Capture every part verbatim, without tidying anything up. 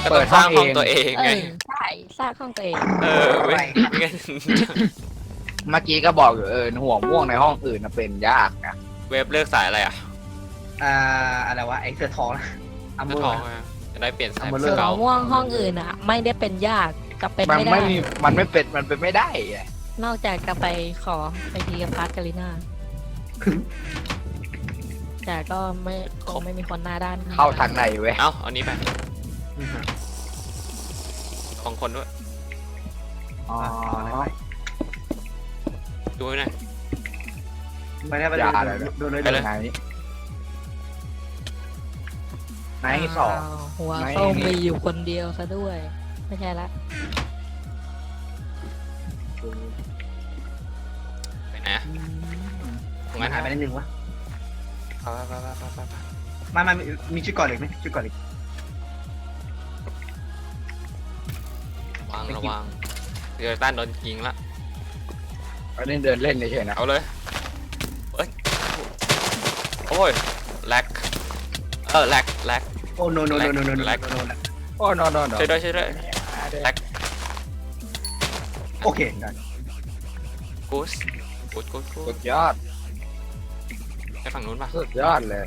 เปิดห้องห้องตัวเองเอไงอใช่สร้างห้องตัวเองเออเว้ยงั้นเมื่อกี้ก็บอกอยู่เออหัวม่วงในห้องอื่นนะเป็นยากนะเว็บเลือกสายอะไรอ่ะอ่าอะไรวะไอ้เสื้อทองอัมเลืเบออทองร์อะจะได้เปลี่ยนสายเอามาเลเสืยอเก่าม่วงห้องอื่นอ่ะ ไม่ได้เป็นยากจะเป็นมันไม่ได้ไม่มีมันไม่เป็นมันเป็นไม่ได้อะนอกจากจะไปขอไปทีกับพาร์ทกาลิน่าแต่ก็ไม่คงไม่มีคนหน้าด้านเข้าทางไหนเว้ยเอ้าเอานี้ไปของคนด้วยอ๋อดูไว้หน่อยไม่ได้ไปอย่าอะไรดูเลยไปเลยไหนไหนสองาวหัวไม่ส้มมีอยู่คนเดียวซะด้วย ไม่ใช่ละไปไหนอะตรงมันั้น นหายไปนิดนึงวะไปไปไปไปไปไปมามามีชุดก่อนเหล็กไหมชุดก่อนเหล็กวางระวังเดี๋ยวต้านโดนยิงละอันนี้เดินเล่นเฉยๆนะเอาเลยเอ้ยโอ้ยแลกเออแลกแลกโอ้โนโนโนโนโนโนแลกโนโอ้นอนนอนช่วยด้วยช่วยด้วยแลกโอเคได้กูสกูสกูสกูสุสดยอดไปฝั่งนู้นป่ะสุดยอดเลย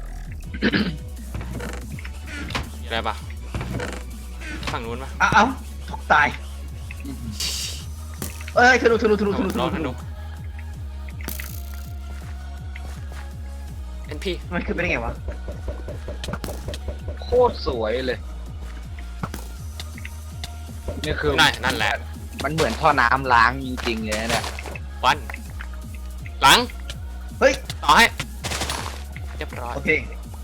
มีอะไรป่ะฝั่งนู้นป่ะอ้าวตกตายเอ้ยธนูธนูธนูธนูธรนูอธธนูนูเอ็นพีมันขึ้นไปได้ไงวะโคตรสวยเลยนี่คือนั่นนั่นแหละมันเหมือนท่อน้ำล้างจริงๆเลยนะเนี่ยวันหลังเฮ้ยต่อให้เรียบร้อยโอเค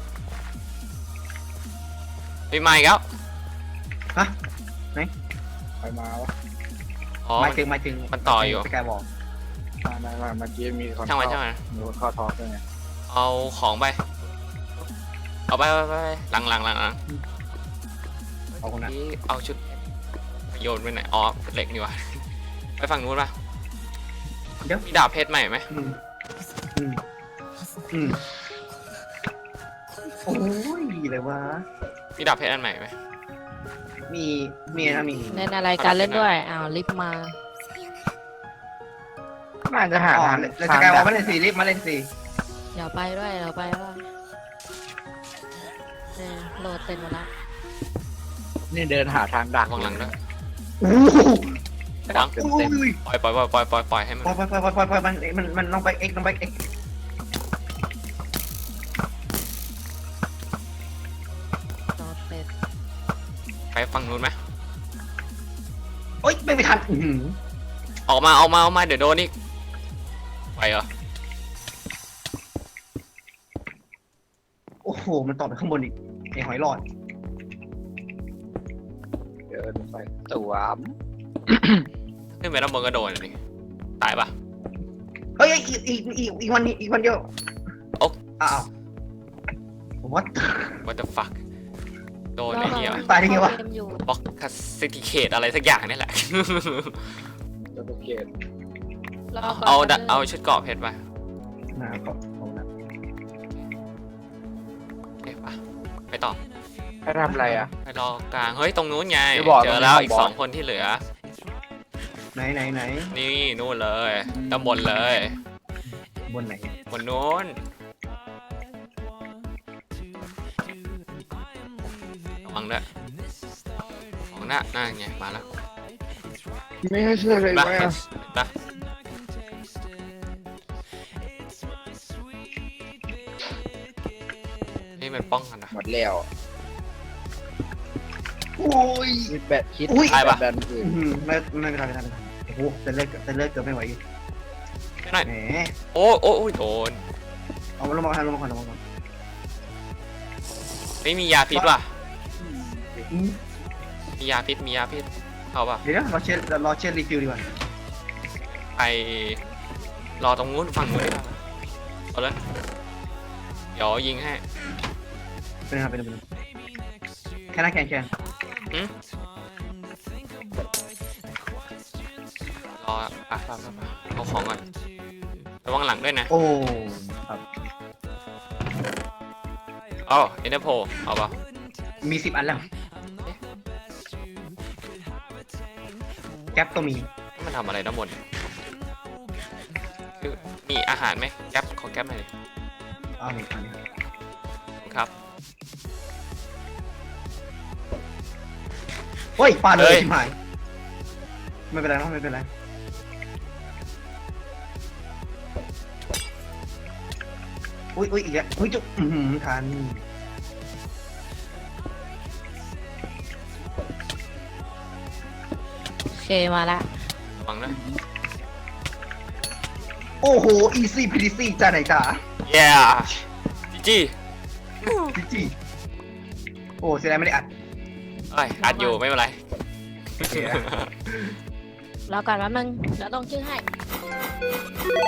มีไม้อีกแล้วฮะไปมาวะอ๋อหมายถึงหมายถึงมันต่ออยู่สกายบอกมามามาเมื่อกี้มีคนช่างมันเข้ช่างมันมีคนเข้าทอล์กด้วยไงเอาของไปเอาไปไปไปไปหลังหลังหลังหลังเอาคนนั้นนี่เอาชุดโยนไปไหนอ๋อเป็นเหล็กนี่วะไปฝั่งนู้นป่ะเดี๋ยวมีดาบเพชรใหม่ไหมอืมอืมอืมโอ้ยเลยวะมีดาบเพชรอันใหม่ไหมมีมีนะมีเล่นอะไรการเล่นด้วยอ้าวรีบมาน่าจะหาอ๋อทางแล้วสกายบอกมาเล่นสีรีบมาเล่นสีเดี๋ยวไปด้วยเดี๋ยวไปด้วยเออโหลดเต็มหมดแล้วนี่เดินหาทางดักวางหลังด้วยโอ้โหวางเต็มเต็มอุ้ยปล่อยปล่อยปล่อยปล่อยปล่อยปล่อยให้มันปล่อยปล่อยปล่อยปล่อยปล่อยมันมันมันลงไปเอ็กลงไปเอ็กโหลดเสร็จไปฝั่งนู้นไหมโอ๊ยไม่ไปทันอื้อหือออกมาออกมาออกมาเดี๋ยวโดนอีกไปเหรอโอ้โหมันต่อไปข้างบนอีกไอ้หอยหลอดเดินไปสวมขึ้นไปแล้วบนก็โดนเลยตายปะเฮ้ยอีกอีกอีกอีกวันนี้อีกวันเดียวโอ๊ะอ้าววัด what the fuck โดนไอ้เหี้ยตายได้ไงวะเกมอยู่บล็อกคัสซิติเคตอะไรสักอย่างนี่แหละจะไปเกตรก่นเอาดะนะเอาชุดเกราะเพชรไปนะขอบคุณนะโอเคปะไปต่อให้ทำอะไรอ่ะไปรอกลางเฮ้ยตรงนู้นไงจะบอกเจอแล้วตรงนี้อีกบอสสองคนที่เหลือไหนไหนไหนนี่นู่นเลยตำบลเลยบนไหนบนนู้นระวังด้วยของหน้าหน้าไงมาแล้วไม่ให้ช่วยเลยปะไหมปะนี่มันป้องกันนะหมดแล้วโอ้ยคิดแบตคิดอุ้ยแบบแบบอื่นอื้อหือไม่ไม่เป็นไรไม่เป็นไรโอ้โหเส้นเลือดเส้นเลือดเกือบไม่ไหวอยู่ไม่หน่อยแหมโอ้โอ้โอ้ยโดนเอาลงมาก่อนลงมาก่อนลงมาก่อนไม่มียาพิษว่ะอืมมียาพิษมียาพิษเอาป่ะเดี๋ยวนะรอเช็ดรอเช็ดรีฟิลดีกว่าไปรอตรงนู้นฝั่งนู้นดีกว่าเอาเลยเดี๋ยวยิงให้เป็นไงครับเป็นไงเป็นไงแค่นั้นแค่แค่หืมรออ่ะไปไปไปเอาของก่อนระวังหลังด้วยนะโอ้ครับอ๋อเอ็นเตอร์โพเอาป่ะมีสิบอันแล้วก๊ปก็มีมันทำอะไรน้ำมนต์คือมีอาหารไหมแก๊ปขอแก๊ปหน่อยดิเอาหนึ่งอันนี้ครับเฮ้ยปาดเลเฮ้ยยชิบหายไม่เป็นไรเนอะไม่เป็นไรอุ้ยอุ้ยอีกแล้วอุ้ยจุ๊บอือหือทันโอเคมาละระวังนะโอ้โหอีซี่พีดีซี่จ้าไหนจ้าเย้จีจีจิจิโอ้เสียดายไม่ได้อัดเอ้ยอัดอยู่ไม่เป็นไรรอก่อนแป๊บนึงเดี๋ยวต้องชื่อให้